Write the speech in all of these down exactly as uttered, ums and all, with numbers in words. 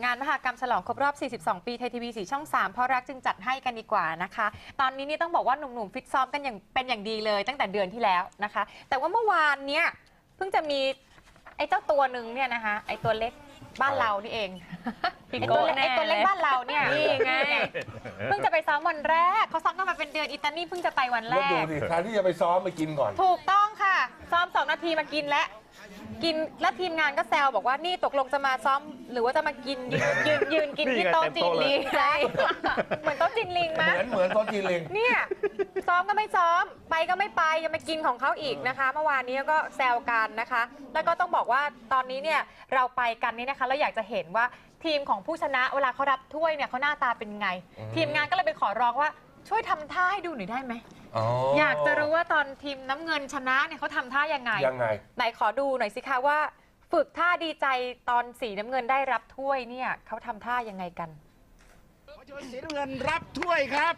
งานมหกรรมฉลองครบรอบ สี่สิบสอง ปีไทยทีวี สี่ ช่อง สาม เพราะรักจึงจัดให้กันดีกว่านะคะ ตอนนี้นี่ต้องบอกว่าหนุ่มๆฟิตซ้อมกันอย่างเป็นอย่างดีเลยตั้งแต่เดือนที่แล้วนะคะ แต่ว่าเมื่อวานเนี้ยเพิ่งจะมีไอ้เจ้าตัวหนึ่งเนี่ยนะคะไอ้ตัวเล็กบ้านเรานี่เองไอ้ตัวเล็กไอ้ตัวเล็กบ้านเราเนี่ยนี่ไงเพิ่งจะไปซ้อมวันแรกเขาซ้อมกันมาเป็นเดือนอิตาลีเพิ่งจะไปวันแรแล้วดูกดิแทนที่จะไปซ้อมไปกินก่อนถูกต้องค่ะซ้อมสองนาทีมากินแล้วกินแล้วทีมงานก็แซวบอกว่านี่ตกลงจะมาซ้อมหรือว่าจะมากินยืนยืนยืนกินที่โต๊ะจีนลิงใช่เหมือนโต๊ะจีนลิงมั้ยเหมือนเหมือนโต๊ะจีนลิงเนี่ยซ้อมก็ไม่ซ้อมไปก็ไม่ไปยังมากินของเขาอีกนะคะเมื่อวานนี้ก็แซวกันนะคะแล้วก็ต้องบอกว่าตอนนี้เนี่ยเราไปกันนี่นะคะเราอยากจะเห็นว่าทีมของผู้ชนะเวลาเขารับถ้วยเนี่ยเขาหน้าตาเป็นไงทีมงานก็เลยไปขอร้องว่าช่วยทำท่าให้ดูหน่อยได้ไหมอยากจะรู้ว่าตอนทีมน้ำเงินชนะเนี่ยเขาทำท่ายังไงยังไงไหนขอดูหน่อยสิคะว่าฝึกท่าดีใจตอนสีน้ำเงินได้รับถ้วยเนี่ยเขาทำท่ายังไงกันสีน้ำเงินรับถ้วยครับ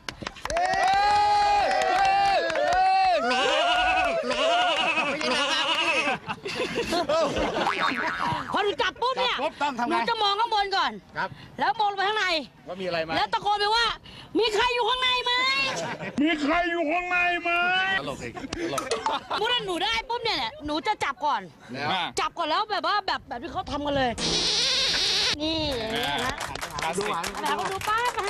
พอหนูจับปุ๊บเนี่ยหนูจะมองข้างบนก่อนครับแล้วมองไปข้างในว่ามีอะไรไหมแล้วตะโกนไปว่ามีใครอยู่ข้างในไหมมีใครอยู่ข้างในไหมตลกอีกตลกเมื่อหนูได้ปุ๊บเนี่ยหนูจะจับก่อนจับก่อนแล้วแบบว่าแบบแบบที่เขาทำกันเลยนี่นะดูหวานดูดูป้าป้า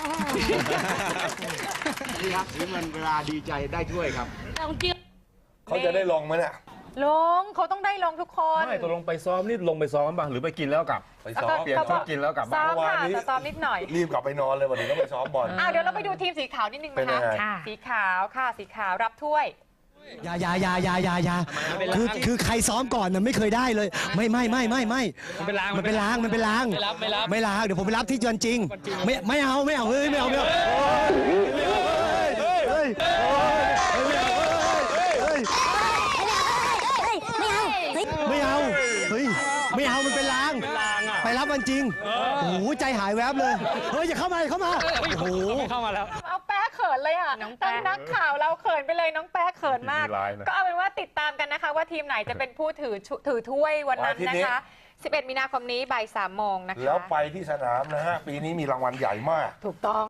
นี่ครับสีน้ำเงินเวลาดีใจได้ถ้วยครับแต่จริงเขาจะได้ลงไหมเนี่ยลงเขาต้องได้ลงทุกคนไม่ตกลงไปซ้อมนี่ลงไปซ้อมบ้างหรือไปกินแล้วกลับไปซ้อมเปลี่ยนชุดกินแล้วกลับซ้อมค่ะแต่ซ้อมนิดหน่อยรีบกลับไปนอนเลยวันนี้ต้องไปซ้อมบอลอ้าวเดี๋ยวเราไปดูทีมสีขาวนิดนึงนะคะสีขาวค่ะสีขาวรับถ้วยอย่าอย่าอย่าอย่าอย่าอย่าคือคือใครซ้อมก่อนน่ะไม่เคยได้เลยไม่ไม่ไม่ไม่ไม่มันเป็นล้างมันเป็นล้างมันเป็นล้างไม่รับไม่รับไม่ล้างเดี๋ยวผมไปรับที่จวนจริงไม่ไม่เอาไม่เอาเฮ้ยไม่เอาไม่เอาเฮ้ยไม่เอาเฮ้ยไม่เอามันเป็นล้างไปรับมันจริงโอ้โหใจหายแวบเลยเฮ้ยอย่าเข้ามาเข้ามาโอ้โหเข้ามาแล้วเอาแป๊ะเขินเลยอ่ะตั้งนักข่าวเราเขินไปเลยน้องแป๊ะเขินมากก็เอาเป็นว่าติดตามกันนะคะว่าทีมไหนจะเป็นผู้ถือถือถ้วยวันนั้นนะคะสิบเอ็ดมีนาคมนี้บ่ายสามโมงนะคะแล้วไปที่สนามนะฮะปีนี้มีรางวัลใหญ่มากถูกต้อง